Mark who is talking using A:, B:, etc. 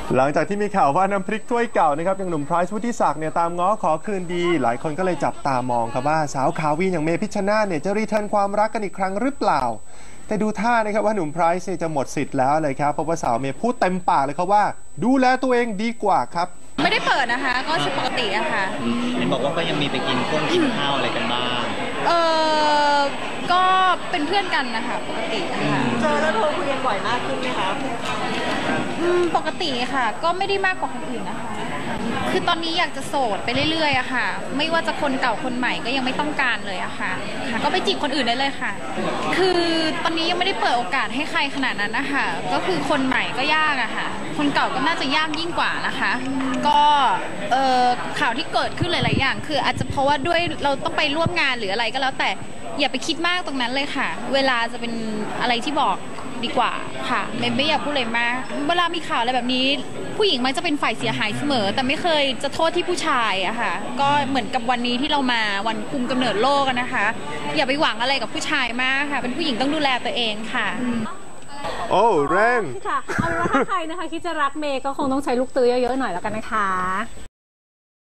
A: หลังจากที่มีข่าวว่าน้ำพริกถ้วยเก่านะครับอย่างหนุ่มไพรซ์วุฒิศักดิ์เนี่ยตามง้อขอคืนดีหลายคนก็เลยจับตามองครับว่าสาวขาวีอย่างเมพิชชนาธิ์เนี่ยจะรีเทิร์นความรักกันอีกครั้งหรือเปล่าแต่ดูท่านะครับว่าหนุ่มไพรซ์จะหมดสิทธิ์แล้วเลยครับเพราะว่าสาวเมย์พูดเต็มปากเลยครับว่าดูแลตัวเองดีกว่าครับ
B: ไม่ได้เปิดนะคะก็ใช้ปกติอะค่ะ
C: เห็นบอกว่าก็ยังมีไปกินข้าวอะไรกันบ้าง
B: ก็เป็นเพื่อนกันนะคะปกติอะค่ะ
D: เจอแล้วโทรคุยกันบ่อยมากขึ้นไหมคะ
B: ปกติค่ะก็ไม่ได้มากกว่าคนอื่นนะคะคือตอนนี้อยากจะโสดไปเรื่อยๆอะค่ะไม่ว่าจะคนเก่าคนใหม่ก็ยังไม่ต้องการเลยอะค่ะก็ไปจีบคนอื่นได้เลยค่ะคือตอนนี้ยังไม่ได้เปิดโอกาสให้ใครขนาดนั้นนะคะก็คือคนใหม่ก็ยากอะค่ะคนเก่าก็น่าจะยากยิ่งกว่านะคะก็ข่าวที่เกิดขึ้นหลายๆอย่างคืออาจจะเพราะว่าด้วยเราต้องไปร่วมงานหรืออะไรก็แล้วแต่อย่าไปคิดมากตรงนั้นเลยค่ะเวลาจะเป็นอะไรที่บอกดีกว่าค่ะไม่อยากพูดเลยมากเวลามีข่าวอะไรแบบนี้ผู้หญิงมักจะเป็นฝ่ายเสียหายเสมอแต่ไม่เคยจะโทษที่ผู้ชายอะค่ะก็เหมือนกับวันนี้ที่เรามาวันกุมกำเนิดโลกนะคะอย่าไปหวังอะไรกับผู้ชายมากค่ะเป็นผู้หญิงต้องดูแลตัวเองค่ะ
A: โอ้แรง
D: ค่ะเอาเป็นว่าถ้าใครนะคะคิดจะรักเมย์ก็คงต้องใช้ลูกตื้อเยอะๆหน่อยแล้วกันนะคะ